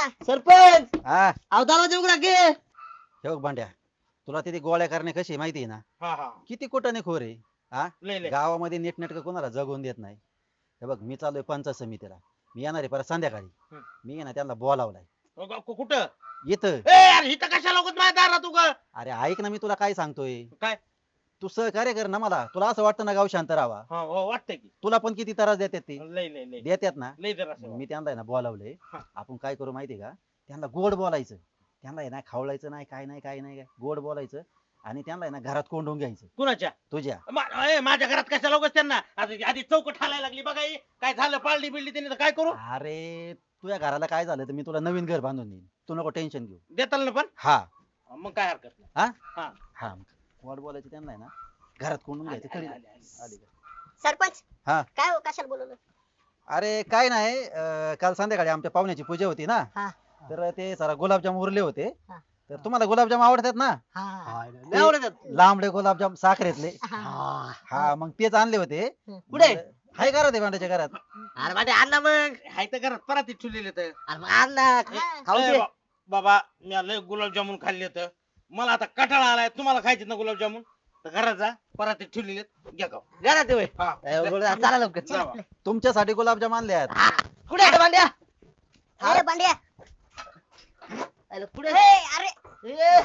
सरपंच हा अवतारा देऊ का गे हे बघ भांड्या, तुला तिथे गोळ्या करणे कशी माहिती आहे ना? हा हा किती कुटाने खोर आहे. हा लय लय गावामध्ये नीटनेटकं कोणाला जगवून देत नाही. हे बघ, मी चाललोय पंचायत समितीला. मी येणार आहे परत संध्याकाळी. हम्म. मी आहे ना त्यांना बोलावलाय कुठं इथं. ए यार इथं कशाला उगाच माझ्या दारात तू ग अरे ऐक ना, मी तुला काय सांगतोय. काय तू सहकार्य कर ना मला. तुला असं वाटतं ना गाव शांत राहावा? हा हो वाटतंय की तुला पण किती त्रास देतात ते. लय लय लय देतात ना. लय जरा असं मी त्यांना आहे ना बोलावलंय. हा. आपण काय करू माहितीये का? त्यांना गोड बोलायचं. त्यांना आहे ना खावलायचं नाही, काय नाही काय नाही, गोड बोलायचं आणि त्यांना आहे ना घरात कोंडून घ्यायचं कुणाच्या तुझ्या. माझ्या घरात कशाला उगाच त्यांना आधी चौकट हालायला लागली बघा ही. काय झालं पाळली बिळली त्यांनी तर काय करू अरे तुझ्या घराला काय झालं तर मी तुला नवीन घर बांधून देईन. तू नको टेन्शन घेऊ. देताल ना पण हा मग काय हरकत नाही हा हा हा गोड बोलायचं त्यांना आहे ना घरात कोंडून घ्यायचं. आली, कळलं? आली, आली. आली का? सरपंच हा काय हो कशाला बोलवलं अरे काय नाही, काल संध्याकाळी आमच्या पाहुण्याची पूजा होती ना. हा तर ते जरा गुलाबजाम उरले होते. हा. तर तुम्हाला गुलाबजाम आवडतात ना? हा लय आवडतात. लांबडे गुलाबजाम साखरेतले. हा. हा मग तेच आणले होते. कुठे? हाय करा ते भांड्याच्या घरात. अरे माझे अण्णा मग हाय तर घरात परत ठेवलेले तर अरे मग अण्णा खाऊ ए, दे. बाबा मी लय गुलाबजामुन खाल्ले तर मला आता कटाळा आलाय. तुम्हाला खायचे ना गुलाबजामुन तर घरात जा परत ठेवलेले घ्या गाव घरात ये होय. हा ए, गोळ्या, चला लवकर जावा. तुमच्यासाठी गुलाबजाम आणले आहेत. हा, कुठे आहे रे भांड्या? अरे बांड्या अरे कुठे अरे ए,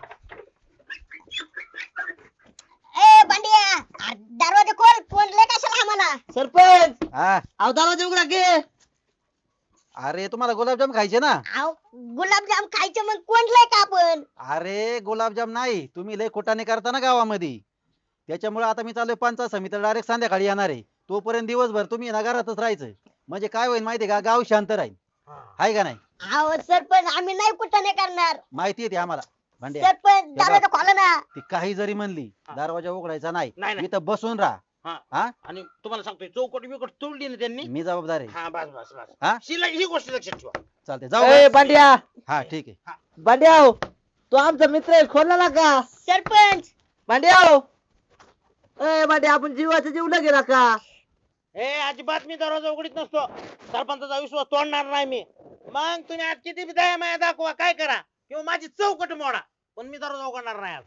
ए बांड्या अरे, दरवाजा खोल कोणले कशाला आम्हाला सरपंच हा अवतारा देऊ का गे अरे तुम्हाला गुलाबजाम खायचे ना? आव गुलाबजाम खायचं मग कोणलंय का आपण अरे गुलाबजाम नाही, तुम्ही लय कुटाने करता ना गावामध्ये. त्याच्यामुळे आता मी चाललोय पंचायत समितीला, डायरेक्ट संध्याकाळी येणार आहे. तोपर्यंत दिवसभर तुम्ही ना घरातच राहायचं. म्हणजे काय होईल माहितीये का? गाव शांत राहील. हाय का नाही? आव सरपंच आम्ही नाही कुठं नाही करणार माहिती आहे ते आम्हाला. भांड्या सरपंच दरवाजा खोला ना ती काही जरी म्हणली हा. दरवाजा उघडायचा नाही. नाही, नाही. इथं बसून राहा. हा. हा आणि तुम्हाला सांगतोय चौकट बिकट तोडली ना त्यांनी मी जबाबदार आहे. हा बस बस बस हा शिला ही गोष्ट लक्षात ठेवा चालते जाऊ ए का? भांड्या हा ठीक आहे. भांड्या हो. तू आमचा मित्र आहे खोलला का सरपंच भांड्या हो. ए भांड्या आपण जीवाचं जीव न गेला का ए अजिबात मी दरवाजा उघडीत नसतो. सरपंचाचा विश्वास तोडणार नाही मी. मग तुम्ही आज किती बी दया माया दाखवा काय करा किंवा माझी चौकट मोडा पण मी दरवाजा उघडणार नाही आज.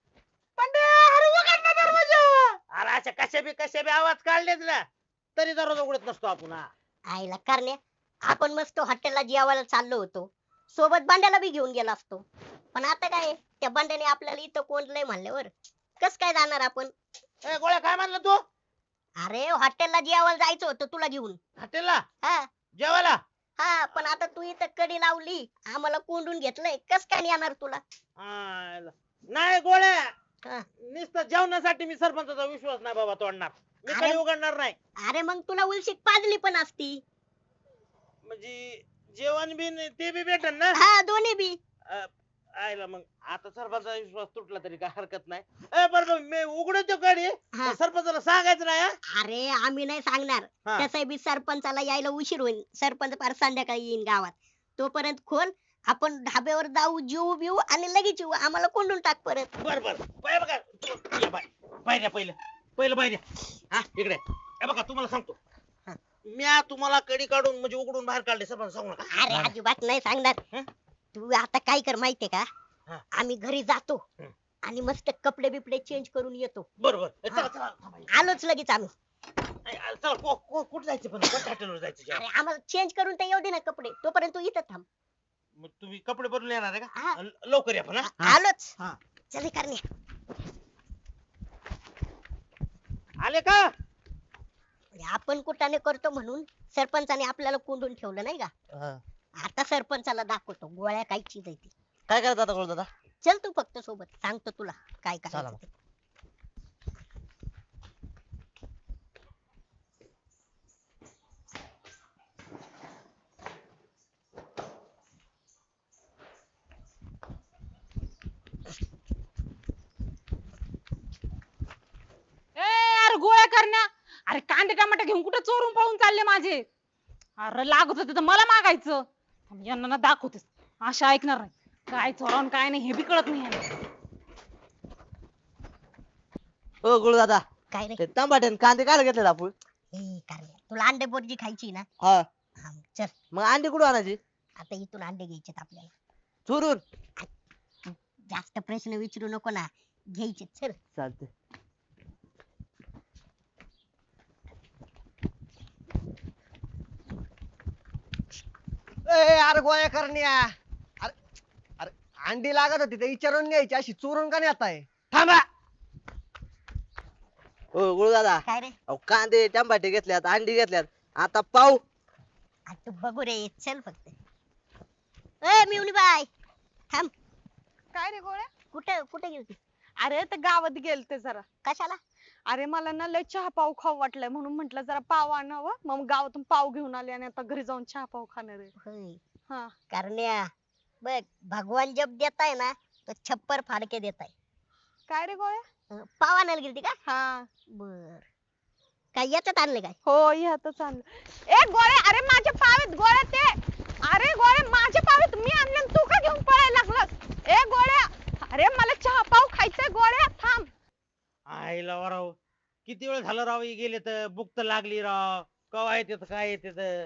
अरे अशा कशा बी आवाज काढलेच ना तरी दरवाजा उघडत नसतो आपण हा. आईला करण्या आपण मस्त हॉटेलला जेवायला चाललो होतो सोबत बांड्याला बी घेऊन गेला असतो पण आता काय त्या बांड्याने आपल्याला इथं कोणलंय म्हणल्यावर कस काय जाणार आपण ए गोळ्या काय म्हणलं तू अरे हॉटेलला जेवायला जायचं होतं तुला घेऊन हॉटेलला हा जेवायला हा पण आता तू इथं कडी लावली आम्हाला कोंडून घेतलंय कस काय नाही येणार तुला आयला. नाही गोळ्या हा. नुसतं जेवणासाठी मी सरपंचाचा विश्वास नाही बाबा तोडणार मी अरे. काही उघडणार नाही अरे मग तुला उलशीक पाजली पण असती म्हणजे जेवण बी ते बी भेटन ना हा दोन्ही बी आयला मग आता सरपंचाचा विश्वास तुटला तरी काय हरकत नाही. ए बरोबर मी उघडतो गाडी हा. सरपंचाला सांगायचं नाही हा? अरे आम्ही नाही सांगणार हा. तसं बी सरपंचाला यायला उशीर होईल सरपंच फार संध्याकाळी येईन गावात तोपर्यंत खोल आपण ढाब्यावर जाऊ जेऊ बिऊ आणि लगेच येऊ आम्हाला कोंडून टाक परत बर बर बाय बघा ये बाय बाहेर पहिलं बाहेर हा इकडे हे बघा तुम्हाला सांगतो मी तुम्हाला कडी काढून म्हणजे उघडून बाहेर काढले सरपंच सांगू नका. अरे अजिबात नाही सांगणार हं? तू आता काय कर माहितीये का हा. आम्ही घरी जातो हं. आणि मस्त कपडे बिपडे चेंज करून येतो बरोबर चला हा. चला थांबा. आलोच लगेच आम्ही चला कुठं जायचं पण कोणत्या हॉटेलवर जायचं जेवायला? अरे आम्हाला चेंज करून तर येऊ दे ना कपडे तोपर्यंत तू इथं थांब मग तुम्ही कपडे बदलून येणार आहे हा. का लवकर या पण हा? आलोच हा. चल करण्या आले का आपण कुठाने करतो म्हणून सरपंचाने आपल्याला कोंडून ठेवलं नाही का हा. आता सरपंचाला दाखवतो गोळ्या काय चीज आहे ती काय करत आता गोळ दादा चल तू फक्त सोबत सांगतो तुला काय चला करायचं ते. अरे गोळ्या करण्या अरे कांदे टमाटे घेऊन कुठे चोरून पळून चालले माझे अरे लागत होते तर मला मागायचं पण यांना ना दाखवतेस आशा ऐकणार नाही काय चोरावून काय नाही हे बी कळत नाही यांना. हो गोळ दादा काय रे ते टमाटे कांदे काय घेतले आपण ए करण्या तुला अंडे बोर्जी खायची ना हा हा, चल मग अंडी कुठं आणायची आता इथून अंडे घ्यायचे आपल्याला. चोरून जास्त प्रश्न विचारू नको ना, घ्यायचे चल. चालते. अरे गोळ्या करण्या. अरे अरे अंडी लागत होती ते विचारून घ्यायची, अशी चोरून का नेत आहे? थांबा. हो गुरु दादा, काय रे? अहो कांदे टमाटे घेतल्यात, अंडी घेतल्यात, आता पाव. आ, तू बघू रे, चल फक्त. ए मिवणी बाय, थांब. काय रे गोळ्या? कुठे कुठे गेलती? अरे ते गावात गेलते जरा. कशाला? अरे मला ना लय चहा पाव खाऊ वाटलंय म्हणून म्हंटल जरा पाव आणावं, मग गावातून पाव घेऊन आले आणि आता घरी जाऊन चहा पाव खाणार आहे. होय. हा. करण्या, बघ भगवान जब देताय ना तो छप्पर फाडके देताय. काय रे गोळ्या? पाव आणायला गेलती का? हा. बर. काय याच्यात आणले काय? हो ह्यातच आणलं. ए गोळ्या, अरे माझे पाव आहेत गोळ्या ते. अरे गोळ्या माझे पाव आहेत, मी आणले आणि तू का घेऊन पळायला लागलास? ए गोळ्या, अरे मला चहा पाव खायचंय गोळ्या, थांब. आईला वा राव, किती वेळ झालं राव हे गेले तर, भूक तर लागली राव. कवा येते काय येते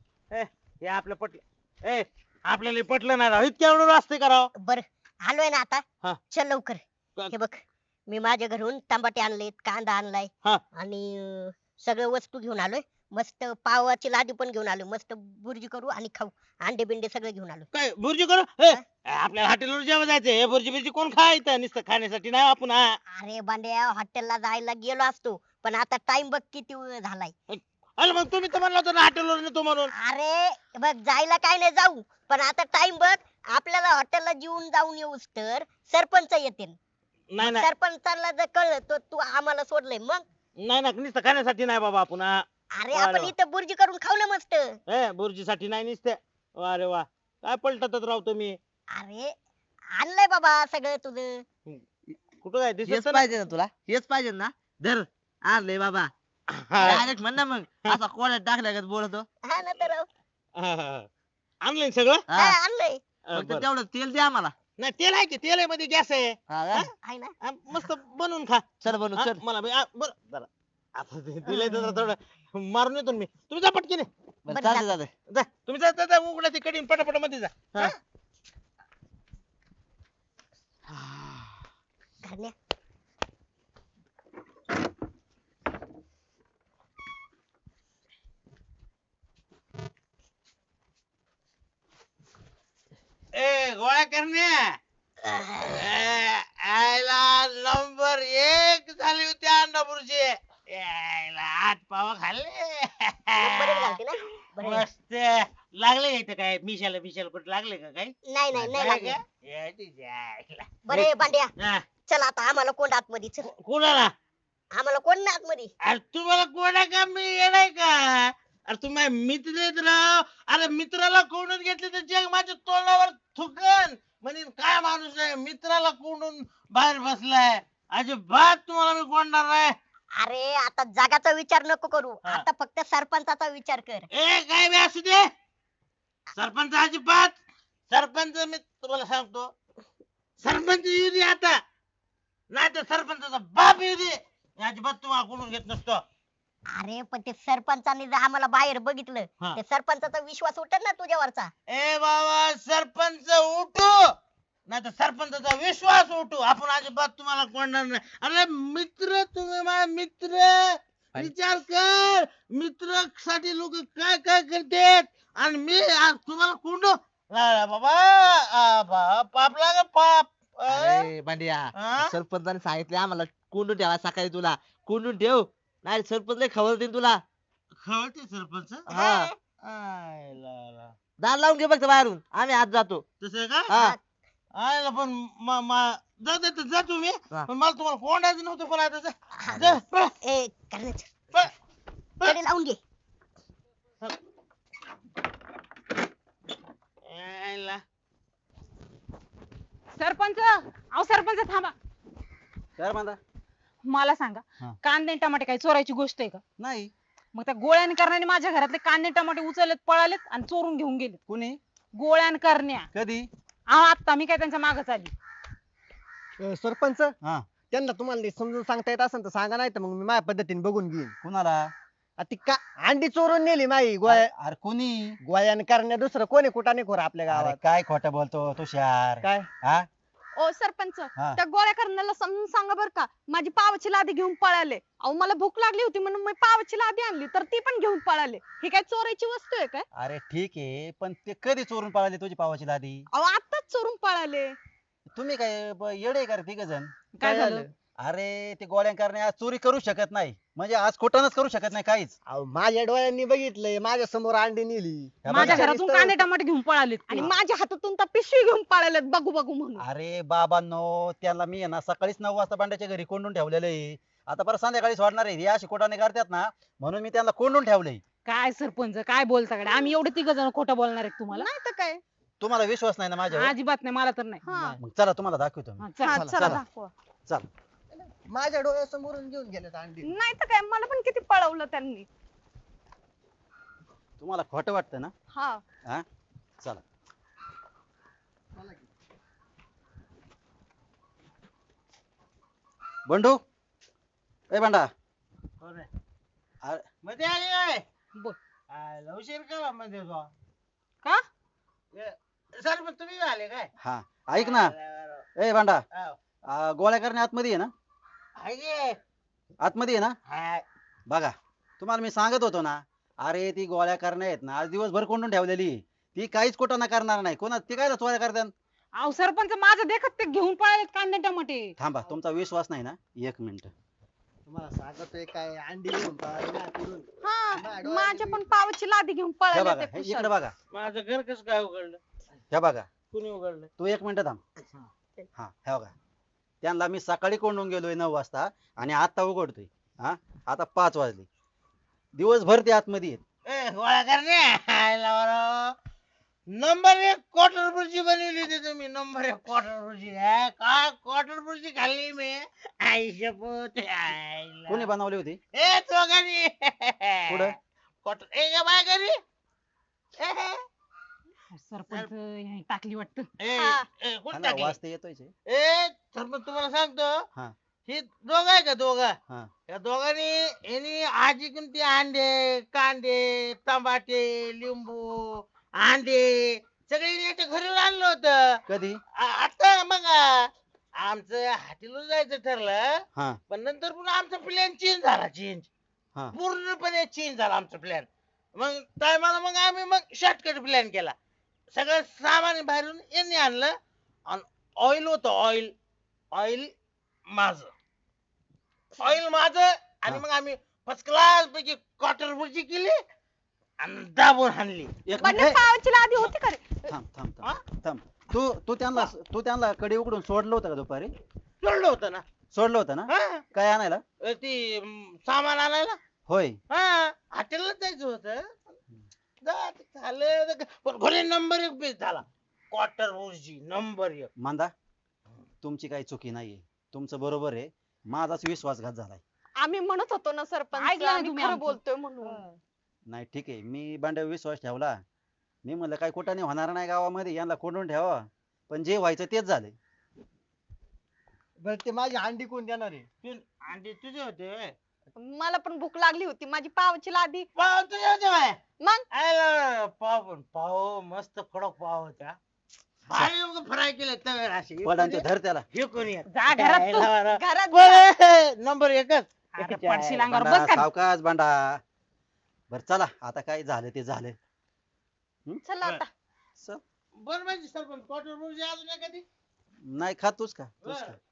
हे आपलं पटलं. आपल्याला हे पटलं नाही राव, इतक्या वेळ असते का राव? बर, आलोय ना आता. हा. चल लवकर. क- हे बघ, मी माझ्या घरून टमाटे आणलेत, कांदा आणलाय हा. आणि सगळं वस्तू घेऊन आलोय. मस्त पावाची लादी पण घेऊन आलोय, मस्त बुर्जी करू आणि खाऊ. अंडे बिंडे सगळं घेऊन आलो. काय बुर्जी करू? आपल्याला हॉटेलवर जेव्हा जायचं, हे बुर्जी बिर्जी कोण खायचं? नुसतं खाण्यासाठी नाही आपण. अरे बांड्या, हॉटेलला जायला गेलो असतो, पण आता टाइम बघ किती वेळ झालाय. अरे मग तुम्ही तर म्हणला होता ना हॉटेलवर नेतो म्हणून. अरे बघ, जायला काय नाही जाऊ, पण आता टाइम बघ. आपल्याला हॉटेलला जेवून जाऊन येऊस तर सरपंच येतील. नाही नाही सरपंचाला जर कळलं तर तू आम्हाला सोडलंय मग. नाही ना, नुसतं खाण्यासाठी नाही बाबा आपण. अरे वा रे आपण वा. इथं बुर्जी करून खाऊ ना मस्त. बुर्जीसाठी नाही नुसतं. वा रे वा, काय पलटतच राव तुम्ही. अरे आणलंय बाबा सगळं तुझं. कुठं काय हेच दिसत नाही. पाहिजे ना तुला, हेच पाहिजे ना. धर आणले बाबा. हा, डायरेक्ट म्हण ना मग, असा कोड्यात टाकल्या बोलतो. हा ना तर. हा, हा. आणलंय ना सगळं. हा, आणलंय. फक्त बरं. तेवढं तेल दे आम्हाला. नाही तेल आहे की, तेल आहे मध्ये गॅस आहे. हा का? आहे ना. मस्त बनवून खा. चल बनू हा, चल. मला बरं जरा आता दिलंय तर थोडं मारून येतो ना मी. तुम्ही जा पटकीने. बरं, बरं, चालतंय जा. चालतंय. जा तुम्ही जा, जा, जा उघडा ती कडीन पटापट मध्ये जा. हा. करण्या, ए गोळ्या करण्या. आयला नंबर 1 झाली होती अन्नपूरची. यायला 8 पाव खाल्ले. बरेच घालते ना. बरं. मस्त लागले इथं काय मिशाला कुठे लागले का काही? नाही नाही नाही लागलं. का? या तिच्या आईला. बरे बांड्या, हा, चल आता आम्हाला कोण आतमध्ये चल. कोणाला? आम्हाला कोण ना आतमध्ये. अरे तुम्हाला कोणा का मी येणार का? अरे तुम्ही मित्र आहेत राव. अरे मित्राला कोंडून घेतले तर जग माझ्या तोंडावर थुकन. म्हणे काय माणूस आहे, मित्राला कोंडून बाहेर बसलाय. अजिबात तुम्हाला मी कोंडणार नाही. अरे आता जगाचा विचार नको करू, हा. आता फक्त सरपंचाचा विचार कर. काय बी असू दे, सरपंच अजिबात. सरपंच मी तुम्हाला सांगतो, सरपंच येऊ दे आता, नाही तर सरपंचाचा बाप येऊ दे, मी अजिबात तुम्हाला कोंडून घेत नसतो. अरे पण ते सरपंचाने जर आम्हाला बाहेर बघितलं, हा. ते सरपंचाचा विश्वास उठल ना तुझ्यावरचा. ए बाबा, सरपंच उठू नाही तर सरपंचाचा विश्वास उठू, आपण अजिबात तुम्हाला कोणणार नाही. अरे मित्र, तुम्ही माझे मित्र. विचार कर, मित्र साठी लोक काय काय करतात आणि मी आज तुम्हाला कोंडू. नाही बाबा, पाप लाग पाप. अरे भांड्या, हा? सरपंचाने सांगितले आम्हाला कोंडून ठेवा सकाळी, तुला कोंडून ठेव, नाही सरपंच लय खबर देईन तुला. खवळते सरपंच. हा, आय ला ला. दार लावून घे फक्त बाहेरून, आम्ही आत जातो. तसं आहे का? हा, आयला पण जा तुम्ही, हा. पण मला तुम्हाला कोंडायचं नव्हतं. पण आता जा. हा. जा, पळ, ए करण्याच पळ. कडे लावून घे. यायला. सरपंच, अहो सरपंच थांबा. काय म्हणता? मला सांगा, हा. कांदे आणि टमाटे काही चोरायची गोष्ट आहे का? नाही. मग त्या गोळ्यान करण्याने माझ्या घरातले कांदे टमाटे उचललेत, पळालेत आणि चोरून घेऊन गेलेत. कुणी? गोळ्यान करण्या. कधी? अहो आता मी काय त्यांच्या मागच आली. सरपंच, हा. त्यांना तुम्हाला नीट समजून सांगता येत असेल तर सांगा, नाही तर मग मी माझ्या पद्धतीने बघून घेईन. कुणाला? ती का अंडी चोरून नेली माई गोळ्या अरे कोणी गोळ्याने करण्या दुसरं कोणी कुठाने खोर आपल्या अरे गावात काय खोटं बोलतो तुषार काय हा ओ सरपंच हा. त्या गोळ्या करण्याला समजून सांगा बर का माझी पावाची लादी घेऊन पळाले अहो मला भूक लागली होती म्हणून मी पावाची लादी आणली तर ती पण घेऊन पळाले ही काय चोरायची वस्तू आहे काय अरे ठीक आहे पण ते कधी चोरून पळाले तुझी पावाची लादी अहो आताच चोरून पळाले तुम्ही काय येडे का तिघ जण काय झालं अरे ते गोळ्या करणे आज चोरी करू शकत नाही म्हणजे आज खोटानच करू शकत नाही काहीच अहो, माझ्या डोळ्यांनी बघितलंय माझ्या समोर अंडी नेली हे माझ्या बघा. घरातून कांदे टमाटे घेऊन पळालेत आणि ते. माझ्या हातातून तर पिशवी घेऊन पळालेत बघू बघू म्हणून अरे बाबांनो त्यांना मी आहे ना सकाळीच 9 वाजता बांड्याच्या घरी कोंडून ठेवलेलं आहे आता परत संध्याकाळी सोडणार आहे हे अशी खोटाने करतात ना म्हणून मी त्यांना कोंडून ठेवलंय काय सरपंच काय बोलता कडे आम्ही एवढे तिघ जण खोटं बोलणार आहे तुम्हाला नाही तर काय तुम्हाला विश्वास नाही ना माझ्यावर अजिबात नाही मला तर नाही हा मग चला तुम्हाला दाखवतो मी हा, चल. हा, चला चला. दाखवा चल माझ्या डोळ्यासमोरून घेऊन गेलेत अंडी नाही तर काय मला पण किती पळवलं त्यांनी तुम्हाला खोटं वाटतं ना हा हा चला बंडू ए बंडा कोण आहे? अरे मध्ये आली काय बोल. उशीर केला मध्ये तो का सर मग तुम्ही आले काय हा ऐक ना ए बंडा हाव. गोळ्या करणे आतमध्ये आहे ना आहे की? आतमध्ये आहे ना हाय. बघा तुम्हाला मी सांगत होतो ना अरे ती गोळ्या करण्या आहेत ना आज दिवसभर कोंडून ठेवलेली आहे. ती काहीच कोटाना करणार नाही कोणा ती काय चोऱ्या करतात अहो सरपंच माझं देखत ते घेऊन पळालेत कांदे टमाटे थांबा तुमचा विश्वास नाही ना 1 मिनिट तुम्हाला सांगतोय काय अंडी घेऊन पळाली ना तिथून. हा माझ्या पण पावाची लादी घेऊन हे पळाले बघा ते हे कुशाल. इकडे बघा माझं घर कसं काय उघडलं हे बघा कुणी उघडलं तू 1 मिनिट थांब हा हे बघा त्यांना मी सकाळी कोंडून गेलोय 9 वाजता आणि आता उघडतोय हा आता 5 वाजले दिवसभर ते आतमध्ये आहेत गोळा करणे नंबर 1 क्वार्टर बुर्जी बनवली होती तुम्ही नंबर 1 क्वार्टर बुर्जी काय क्वार्टर बुर्जी खाल्ली मी आई शपथ आईला. कोणी बनवली होती ए दोघांनी कुठं? क्वार्टर ए ग बाय घरी ए, सरपंच ह्याने टाकली वाटतं ए, हा. ए, हा कुठं ना, टाकली? वाजता येतोय ए सरपंच तुम्हाला सांगतो हा. ही दोघ आहे का दोघं हा. या दोघांनी यांनी आजी कोणती अंडे कांदे टमाटे लिंबू अंडे सगळे याच्या घरी आणलं होतं कधी आता मग आमचं हाटीला जायचं ठरलं हा पण नंतर पुन्हा आमचा प्लॅन चेंज झाला चेंज हा पूर्णपणे चेंज झाला आमचा प्लॅन मग टायमाला मग आम्ही मग शॉर्टकट प्लॅन केला सगळं सामान बाहेरून यांनी आणलं आणि ऑइल होतं ऑइल ऑइल माझं ऑइल माझं आणि हा. मग आम्ही फर्स्ट क्लास पैकी क्वार्टर बुर्जी केली आणि दाबून हाणली एक बंडे मिनिट पावाची लादी होती का रे थांब थांब हा? थांब थांब तू त्यांना कडे उघडून सोडलं होतं का दुपारी सोडलं होतं ना सोडलं होतं ना हा काय आणायला ती सामान आणायला होय हा हॉटेलला जायचं होतं झालं पण घरी नंबर 1 पीस झाला क्वार्टर बुर्जी नंबर 1 मांदा तुमची काही चुकी नाहीये तुमचं बरोबर आहे माझाच विश्वासघात झालाय आम्ही म्हणत होतो ना सरपंच ऐकलं ना आम्ही तुम्ही खरं आमचं. बोलतोय म्हणून नाही ठीक आहे मी बांड्यावर विश्वास ठेवला मी म्हणलं काय कुठाने होणार नाही गावामध्ये यांना कोंडून ठेवा पण जे व्हायचं तेच झालंय बरं ते माझी अंडी कोण देणार आहे अंडे तुझे होते व्हय? मला पण भूक लागली होती माझी पावाची लादी पाव तुझे होते व्हय? मग आयला, पाव मस्त कडक पाव होत्या भारी फ्राय केले तव्यावर असे पडांचे धर त्याला हे कोणी आहे? जा घरात तू. आयला बरं. घरात बरं, नंबर 1च अरे पडशील अंगावर बांडा, बस का सावकाश बांडा बर चला आता काय झालं ते झालं चला आता चल. बरं माहिती सरपंच क्वार्टर बुर्जी अजून एखादी नाही खात तूच का तूच बरं. खा